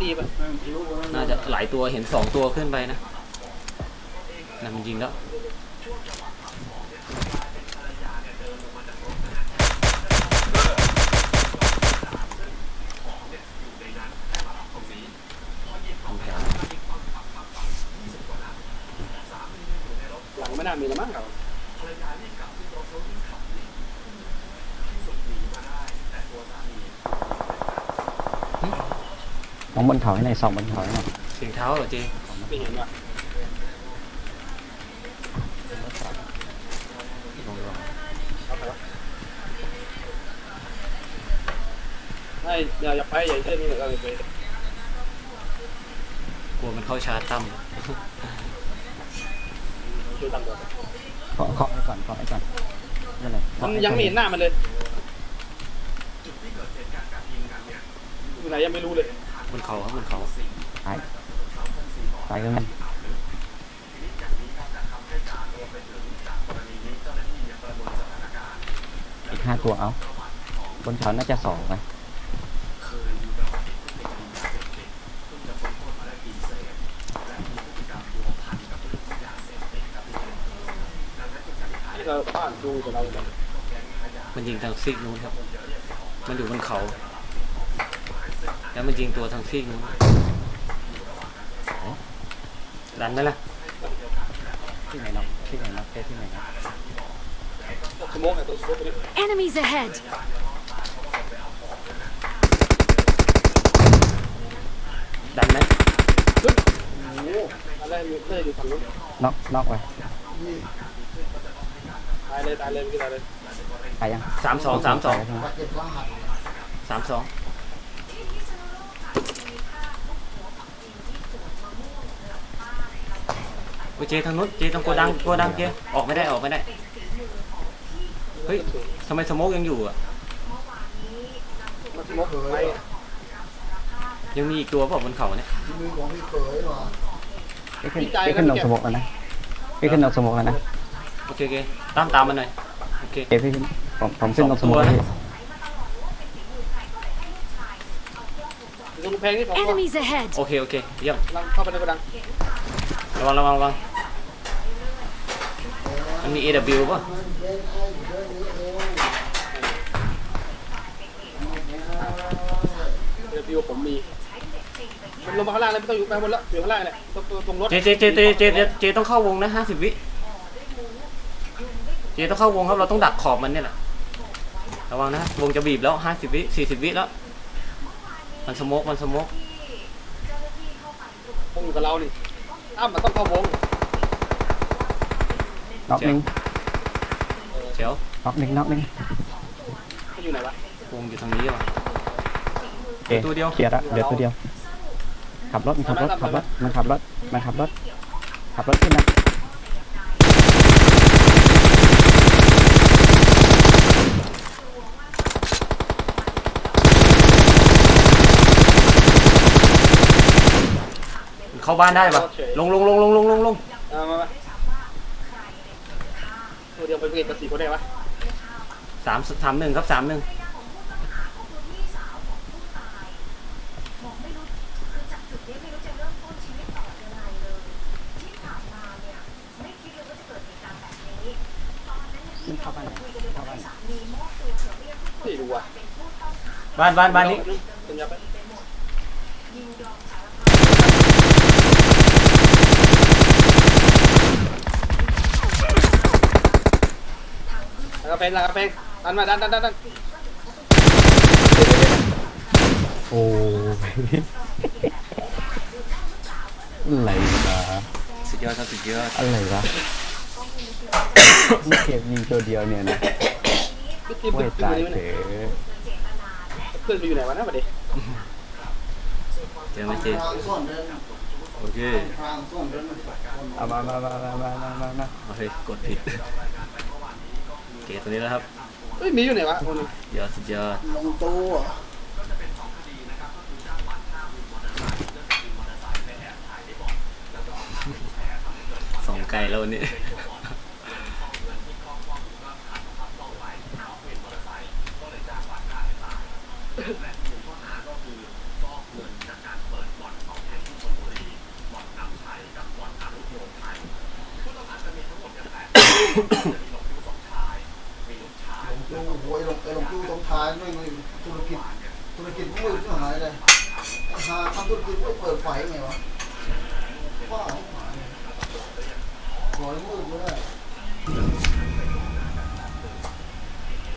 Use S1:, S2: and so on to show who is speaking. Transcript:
S1: ตีป่ะ
S2: น่าจะหลายตัวเห็น2ตัวขึ้นไปนะนั่นมันยิงแล้ว
S1: หลังไม่น่ามีแล้วมั้งเรา
S3: น้องบนเขาให้หน่อยส่องบนเขาให้หน่อย
S2: เสียงเท้าเหรอเจ
S1: ไม่เห็นว่ะไม่อย่าไปอย่าเช่นนี้เราไป
S2: กลัวมันเข้าชาร์จตั้ม
S1: ช่วยตั้งตัว
S3: เคาะไว้ก่อนเคาะไว้ก่อนนั่นแหละ
S1: มันยังไม่เห็นหน้ามันเลยอยู่ไหนยังไม่รู้เลย
S2: บนเขาครับบนเขา
S3: ตายก็มันอีก5 ตัวเอาบนเขาน่าจะ2ไหม
S1: ที่เราบ้านดูกับเราเลย
S2: มันยิงทางซีกนู้นครับมันอยู่บนเขาแล้วมันยิงตัวทางซีกนู้นดันไหมล่ะ
S3: ที่ไหนน็อกที่ไหนน็อกที่ไหนน็อก
S1: สมองไอ้ตัวสมองตัวนี้
S4: Enemies ahead
S2: ดันไหม
S1: โอ้โหอะไรมีเต้อยู่ฝั่งนู้น
S3: น็อกไป
S1: ตายเลยตายเลยไม่ตายเลย
S3: ตายยัง
S2: 32เจทางนู้นเจทางโกดังเจออกไม่ได้เฮ้ยทำไมสโมกยังอยู่อ่ะ
S1: มันสมองไป
S2: ยังมีอีกตัวเปล่าบนเขาเนี่ย
S5: มีของพี่เขยหรอ
S3: พี่ขึ้นนกสมกแล้วนะพี่ขึ้นนกสมกแล้วนะ
S2: โอเคตามมันหน่อยโอเค
S3: พี่ขึ้นผมขึ้นนกสมกแล้ว
S1: ตรงแพงนี่ผม
S4: Enemies ahead
S2: โอเคเยี่ยม
S1: เข้าไปในกระดัง
S2: ระวังมันมี AW ป่ะ
S1: วิวผมมีมันลงมาข้างล่างเลยไม่ต้องอยู่ไปบนแล้วอยู่ข้างล่างเนี่ยตรงรถ
S2: เจต้องเข้าวงนะ50 วิเจต้องเข้าวงครับเราต้องดักขอบมันเนี่ยแหละระวังนะวงจะบีบแล้ว50 วิ40 วิแล้วมันสโมก
S1: วงอยู่กับเรานี่มันต้องเข้าวง
S3: น็อกหนึ่ง
S2: เจ๋ว
S3: น็อกหนึ่ง
S1: เขาอยู่ไหนวะ
S2: วงอยู่ทางนี้ว่ะ
S3: ตัวเดียวเคลียร์ละเดี๋ยวตัวเดียวขับรถขึ้นนะ
S2: เข้าบ้านได้ปะลง
S1: มาตัวเดียวไปเก็บกับ4 คนได้ปะ
S2: 3-1ครับ3-1
S1: ไม่รู้อ่ะ
S2: บ้านนี้
S1: กระเพงดันมาดัน
S3: โอ้อะไรวะ
S2: สุดยอด
S3: อะไรวะเก็บยิงตัวเดียวเนี่ยนะไม่ตายเถอะ
S1: เพื่อนไปอยู่ไหนวะนะประเดี๋ยว
S2: เจอไหมเจโอเค
S3: เอามา
S2: โอเคกดผิดเกตตัวนี้แล้วครับ
S1: มีอยู่ไหนวะคน
S2: นี้สุดยอด
S5: ลงตู้
S2: ส่งไกลแล้ววันนี้
S4: โอ้โหไอ้หลงจู้สงท้ายไม่มีธุรกิจมืดที่หายเลยหาทำธุรกิจไม่เปิดไฟไงวะว้าวหายปล่อยมืดไม่ได้